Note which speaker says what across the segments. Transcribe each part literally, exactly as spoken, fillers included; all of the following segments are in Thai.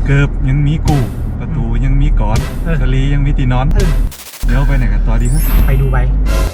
Speaker 1: เกือบยังมีกูประตูยังมีกอดทะเลยังมีตีนอนเดี๋ยวไปไหนกันต่อดีครับ
Speaker 2: ไปดูใบ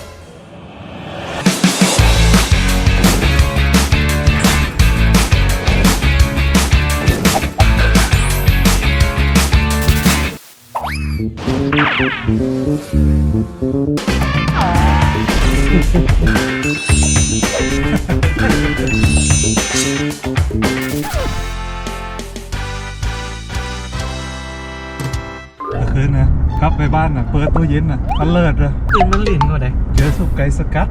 Speaker 1: คืนนะกลับไปบ้านนะเปิดตู้เย็นนะมันเลิศเลย
Speaker 2: ตื่นมันหลินก็ได้
Speaker 1: เจอสุกไก่สกัด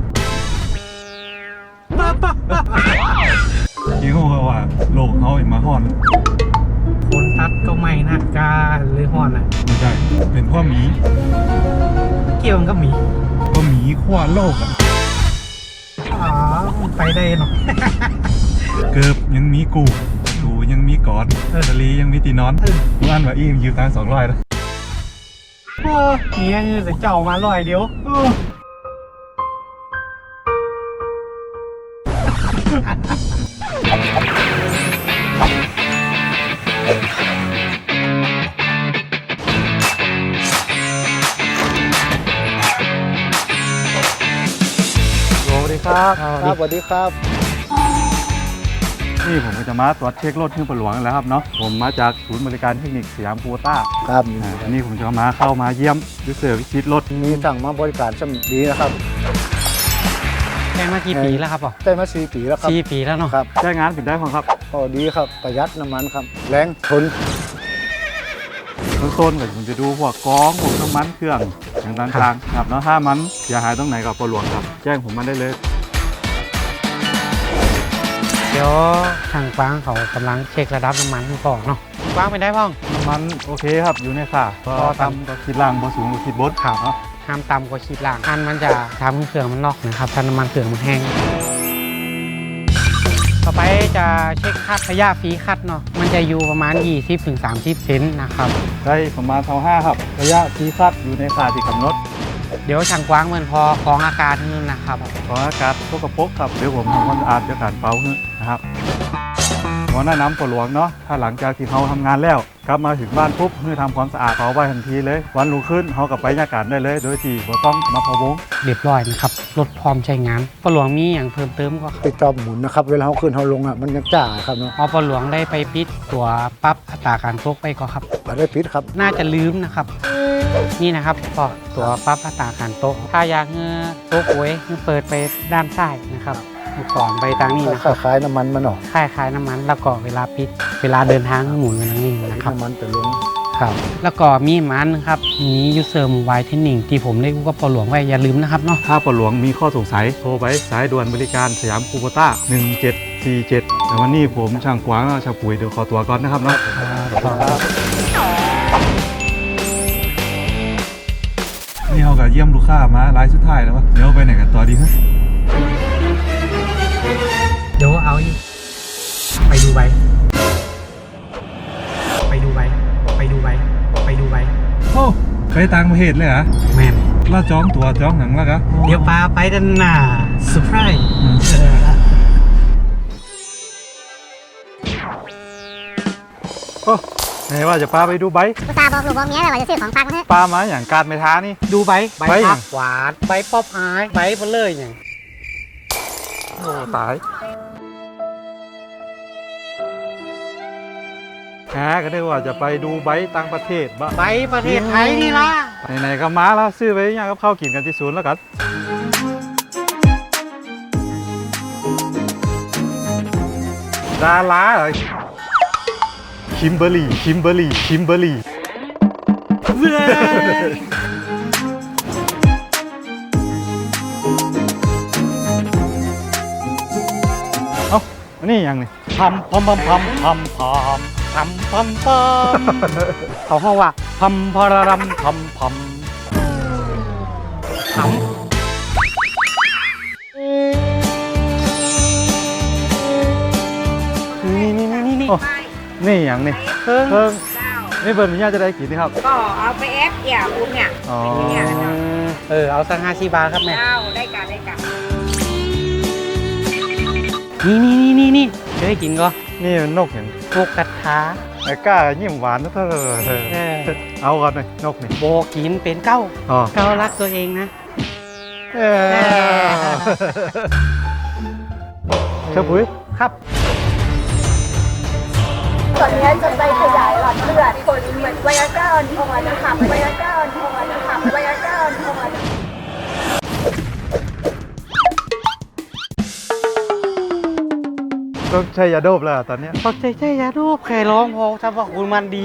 Speaker 1: ยิ่งหัวว่าโลกเขาอีกมาห่อน
Speaker 2: คนตัดก็ไม่นักกาเลยห่อนอ่ะ
Speaker 1: ไม่ใช่เป็นพ่อหมี
Speaker 2: เกี่ยวกับหมี
Speaker 1: ก็หมีขั้วโลกอ่ะ
Speaker 2: อ๋อไปได้หรอ
Speaker 1: เกือบยังมีกูประตูยังมีกอดทะเลยังมีตีนอนบ้านว่าอีมยืมตังสองร้อยแล้ว
Speaker 2: โอ้เงี้ยจะเจ้ามาลอยเดียว
Speaker 1: สวัสดีครับ
Speaker 3: ครับสวัสดีครับ
Speaker 1: นี่ผมจะมาตรวจเช็ครถที่ปหลวงแล้วครับเนาะผมมาจากศูนย์บริการเทคนิคสยามโคต้า
Speaker 3: ครับ
Speaker 1: อันนี้ผมจะมาเข้ามาเยี่ยมดูเซอร์วิสรถ
Speaker 3: มีสั่งมาบริการช่ำดีนะครับ
Speaker 2: ใช้มากี่ปีแล้วครับพ่อ
Speaker 3: ใช้มาสี่ปีแล้วครับ
Speaker 2: สี่ปีแล้วเนาะ
Speaker 3: ครับ
Speaker 1: ใช้งานเป็นได้ของครับ
Speaker 3: ก็ดีครับประหยัดน้ำมันครับแรงทน
Speaker 1: เบื้องต้นก็ผมจะดูพวกกองพวกน้ำมันเครื่องอย่างต่างๆครับแล้วถ้ามันเสียหายตรงไหนกับปหลวงครับแจ้งผมมาได้เลย
Speaker 2: เดี๋ยวทางกว้างเขากำลังเช็คระดับน้ำมันก่อนเนาะกว้างไปได้พ่อง
Speaker 1: น้ำมันโอเคครับอยู่ในค่ะก็ต่ำก็คิดล่างก็สูงก็คิดบด
Speaker 2: ข่าวเนาะห้ามต่ำกว่าขีดล่างอันมันจะทำให้เครื่องมันล็อกนะครับถ้าน้ำมันเครื่องมันแห้งต่อไปจะเช็คคัดระยะฟรีคัดเนาะมันจะอยู่ประมาณ ยี่สิบถึงสามสิบ เซนนะครับ
Speaker 1: ได้ประมาณเท่าห้าครับระยะฟรีคัดอยู่ในค่าที่กำหนด
Speaker 2: เดี๋ยวช่างกว้างเหมือนพอของอากาศนึงนะครับ
Speaker 1: ของอากาศพวกกระปกครับเดี๋ยวผมทำความสะอาดจะการเป่านะครับขอแนะนำปหลวงเนาะถ้าหลังจากที่เขาทำงานแล้วกลับมาถึงบ้านปุ๊บเพื่อทำความสะอาดเป่าไว้ทันทีเลยวันรุ่งขึ้นเขากลับไปยาการได้เลยโดยที่บ่ต้องมาพะวง
Speaker 2: เรียบร้อยนะครับรถพร้อมใช้งานปหลวงมีอย่างเพิ่มเติมก็
Speaker 3: ติดจอหมุนนะครับเวลาเขาขึ้นเขาลงอ่ะมันยังจ้าครับเนาะ
Speaker 2: พอปหลวงได้ไปปิดตัวปรับอัตราการตกไปก็ครับ
Speaker 3: ได้ปิดครับ
Speaker 2: น่าจะลืมนะครับนี่นะครับก็ตัวปรับอัตราการตกถ้าอยากเงือตกไว้เปิดไปด้านซ้ายนะครับก่อนไปทางนี้นะครับ
Speaker 3: คล้ายน้ำมันมันหรอ
Speaker 2: คล้ายคล้ายน้ำมันแล้วก็เวลาปิดเวลาเดินทางหมุนไปทางนี้นะครับ
Speaker 3: น้ำมันจะลง
Speaker 2: ครับแล้วก็มีมันครับมียูเซอร์มูไวเทนนิ่งที่ผมได้กู้กับปหลวงไว้อย่าลืมนะครับเนาะ
Speaker 1: ถ้าปหลวงมีข้อสงสัยโทรไปสายด่วนบริการสยามคูโบต้าหนึ่งเจ็ดสี่เจ็ดแต่วันนี้ผมช่างกว้างชาวปุ๋ยเดี๋ยวขอตัวก่อนนะครับเนาะนี่เขากับเยี่ยมลูกค้ามารายสุดท้ายแล้ววะเดี๋ยวไปไหนกันต่อดีครับ
Speaker 2: เดี๋ยวเอาไปดูใบไปดูใบไปดูใบไปดูใบ
Speaker 1: โอ้ไปต่างประเทศเลยเหรอ
Speaker 2: แม่น
Speaker 1: เราจองตั๋วจองหนังแล้วกะ
Speaker 2: เดี๋ยวปาไปดันหน้าเซอร์ไพรส์
Speaker 1: โอ้ไหนว่าจะปาไปดูใบ
Speaker 4: อุตส่าห์บอกลูกบอกเมียเลยว่าจะซื้อของฝากมาให้
Speaker 1: ปามาอย่างการไปท้านี่
Speaker 2: ดูใบใบผักหวานใบป๊อปอายใบเบลเลยอย่าง
Speaker 1: โอ้ตายแหมก็ได้ว่าจะไปดูใบต่างประเทศบ้า
Speaker 2: ใบประเทศไทยนี่ล่ะ
Speaker 1: ไหนๆก็มาแล้วซื้อไปย่างกับข้าวกินกันที่ศูนย์แล้วกันดาราเหรอคิมเบอร์รี่คิมเบอร์รี่คิมเบอร์รี่เอ้านี่ยังนี่พัมพัมพัมพัมพัมพัมพัมพัม
Speaker 2: เขาห้องว่า
Speaker 1: พัมพารารัมพัมพัม
Speaker 2: พัมนี่นี่นี่นี่
Speaker 1: นี่อย่างนี่
Speaker 2: เพิ่ง
Speaker 1: เพิ่งนี่เบิร์นนี่จะได้กี่นี่ครับ
Speaker 4: ก็เอาไปเอฟเอี่ยคุณเนี่ย
Speaker 1: อ๋อ
Speaker 2: เออเอาสักห้าสิบบาทครับแม่
Speaker 4: ได้กันได้กัน
Speaker 2: นี่นี่นี่นี่นี่เคยกินก็
Speaker 1: นี่มันนกเห็น
Speaker 2: นกกระทา
Speaker 1: โไอ้ก้ายิ้มหวานนะเธอ
Speaker 2: เออ
Speaker 1: เอาก่อนเลยนกนี่
Speaker 2: โบกินเป็นเก้า
Speaker 1: อ๋อ
Speaker 2: เก้ารักตัวเองนะ
Speaker 1: เออเจ้าปุ๋ย
Speaker 2: ครับ
Speaker 5: ส่วนนี้จะไปขยายหลอดเลือดคนเหมือนไวอาก้าอ่อนๆนะคะไวอาก้าอ่อนๆนะคะไวอาก้าอ่อนๆ
Speaker 1: ต้องใช้ยาโดบแล้วตอนเนี้ย
Speaker 2: ตกใจใจยารูปใครร้องพอสรรพคุณมันดี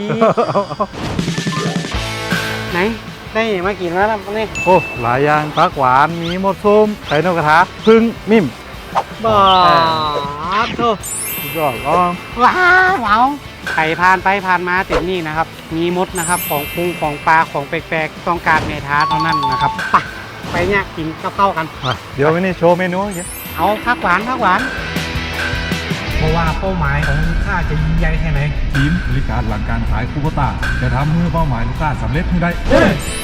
Speaker 2: ไหน ได้มากินแล้วนะนี่
Speaker 1: โอ้หลายอย่างปลากหวานมีหมดส้มไข่นกกระทาพึ่งมิ่ม
Speaker 2: บ้าโธ่
Speaker 1: สุดยอดอ๋อ
Speaker 2: ว้าวว้าวใครผ่านไปผ่านมาติดนี่นะครับ มีมดนะครับของปรุงของปลาของแปลกๆต้องการเมทาเท่านั้นนะครับไปไปเนี่ยกินข้าวๆกัน
Speaker 1: มาเดี๋ยววันนี้โชว์เมนูเยอะ
Speaker 2: เอาผักหวานผักหวาน เพราะว่าเป้าหมายของลูกค้าจะยิ่งใหญ่แค่ไหน
Speaker 6: ทีมบริการหลังการขายคูโบต้าจะทำเมื่อเป้าหมายลูกค้าสำเร็จให้ได้
Speaker 2: เฮ้ย